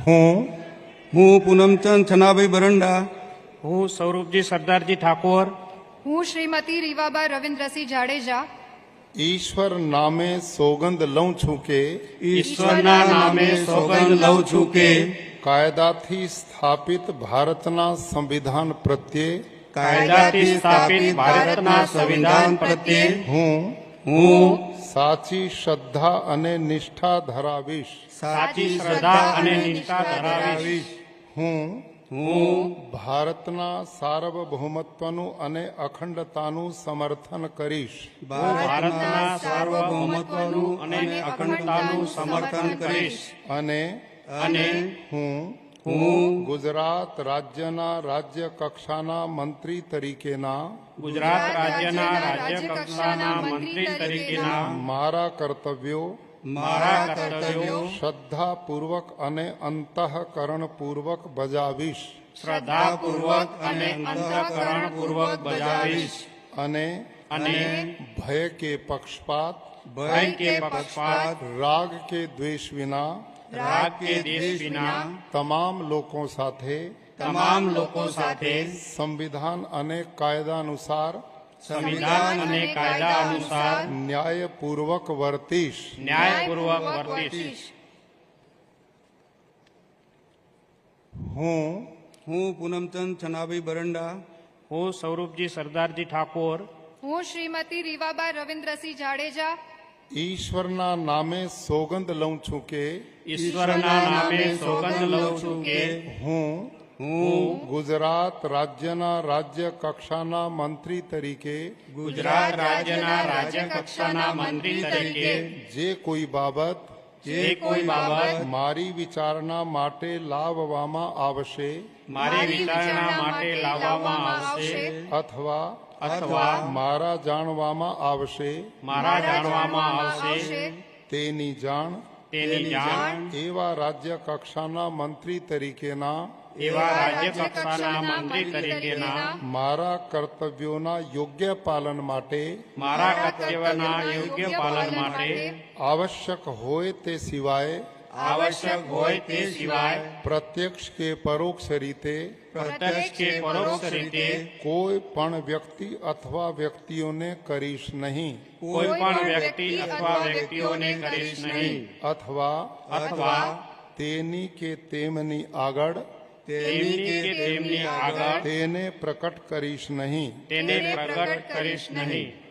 હું પૂનમચંદ છનાભાઈ બરંડા, હું સ્વરૂપજી સરદારજી ઠાકોર, હું શ્રીમતી રીવાબા રવિન્દ્રસિંહ જાડેજા ઈશ્વર નામે સોગંદ લઉં છું કે ઈશ્વરના નામે સોગંદ લઉં છું કે કાયદાથી સ્થાપિત ભારતના સંવિધાન પ્રત્યે કાયદાથી સ્થાપિત ભારતના સંવિધાન પ્રત્યે હું સાચી શ્રદ્ધા અને નિષ્ઠા ધરાવીશ. સાચી શ્રદ્ધા અને નિષ્ઠા ધરાવીશ. હું હું ભારતના સાર્વભૌમત્વનું અને અખંડતાનું સમર્થન કરીશ. ભારતના સાર્વભૌમત્વનું અને અખંડતાનું સમર્થન કરીશ. અને હું ગુજરાત રાજ્યના રાજ્ય કક્ષાના મંત્રી તરીકેના ગુજરાત રાજ્યના રાજ્ય કક્ષાના મંત્રી તરીકેના મારા કર્તવ્યો શ્રદ્ધાપૂર્વક અને અંતઃકરણપૂર્વક બજાવીશ. શ્રદ્ધાપૂર્વક અને અંતઃકરણપૂર્વક બજાવીશ. અને ભય કે પક્ષપાત રાગ કે દ્વેષ વિના તમામ લોકો સાથે સંવિધાન અને કાયદા અનુસાર ન્યાયપૂર્વક વર્તીશ. હું પૂનમચંદ છનાભાઈ બરંડા, હું સ્વરૂપજી સરદારજી ઠાકોર, હું શ્રીમતી રીવાબા રવિન્દ્રસિંહ જાડેજા ઈશ્વરના નામે સોગંદ લઉં છું કે ઈશ્વરના નામે સોગંદ લઉં છું કે હું ગુજરાત રાજ્યના રાજ્ય કક્ષાના મંત્રી તરીકે ગુજરાત રાજ્યના રાજ્ય કક્ષાના મંત્રી તરીકે જે કોઈ બાબત મારી વિચારણા માટે લાવવામાં આવશે અથવા મારા જાણવામાં આવશે તેની જાણ એવા રાજ્ય કક્ષાના મંત્રી તરીકેના મારા કર્તવ્યોના યોગ્ય પાલન માટે આવશ્યક હોય તે સિવાય પ્રત્યક્ષ કે પરોક્ષ રીતે કોઈ પણ વ્યક્તિ અથવા વ્યક્તિઓને કરીશ નહીં. અથવા તેની કે તેમની આગળ તેને પ્રકટ કરીશ નહીં.